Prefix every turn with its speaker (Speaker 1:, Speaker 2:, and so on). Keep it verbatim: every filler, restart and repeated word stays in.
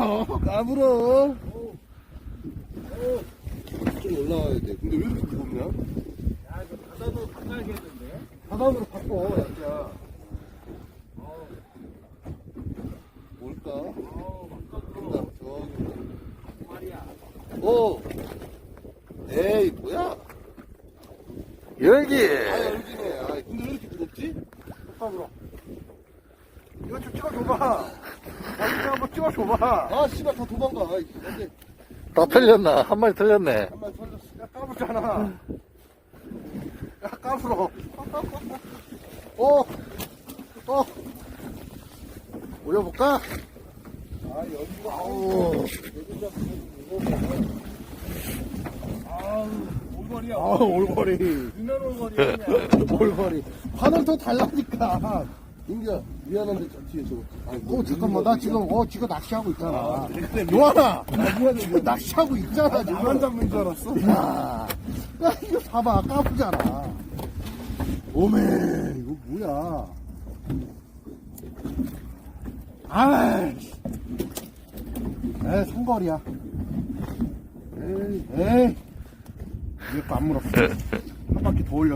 Speaker 1: 까불어. 좀 올라와야 돼. 근데 왜 이렇게 무겁냐?
Speaker 2: 야, 이거 바닥으로 바꿔야겠는데?
Speaker 1: 바닥으로 바꿔, 야. 뭘까?
Speaker 2: 어우,
Speaker 1: 간다, 저기.
Speaker 2: 말이야.
Speaker 1: 오! 에이, 뭐야?
Speaker 3: 열기!
Speaker 1: 아, 열기네. 아, 근데 왜 이렇게 무겁지?
Speaker 2: 바닥으로. 이거 좀 찍어줘봐. 아, 이거 한번 찍어줘봐.
Speaker 1: 아, 씨발, 다 도망가. 아이, 근데
Speaker 3: 다 틀렸나? 한 마리 틀렸네.
Speaker 1: 한 마리 털렸어.
Speaker 2: 야, 까불잖아. 야, 까불어.
Speaker 1: 어! 어! 올려볼까?
Speaker 2: 아, 여기가,
Speaker 1: 아우.
Speaker 2: 여기가 무거워. 아우, 올거리야.
Speaker 1: 아, 올거리.
Speaker 2: 유난 올거리야.
Speaker 1: 올거리. 바늘 더 달라니까. 인기야, 미안한데, 저 뒤에 저거. 아니,
Speaker 2: 어, 잠깐만. 나 지금, 어, 지금 낚시하고 있잖아.
Speaker 1: 아,
Speaker 2: 요하나!
Speaker 1: 미안해,
Speaker 2: 지금 낚시하고 있잖아, 지금.
Speaker 1: 나만 잡는 줄 알았어?
Speaker 2: 야, 야, 이거 봐봐. 까부잖아. 오메, 이거 뭐야. 아이씨. 에이, 성거리야. 에이, 에이. 이거 안 물었어. 한 바퀴 더 올렸어.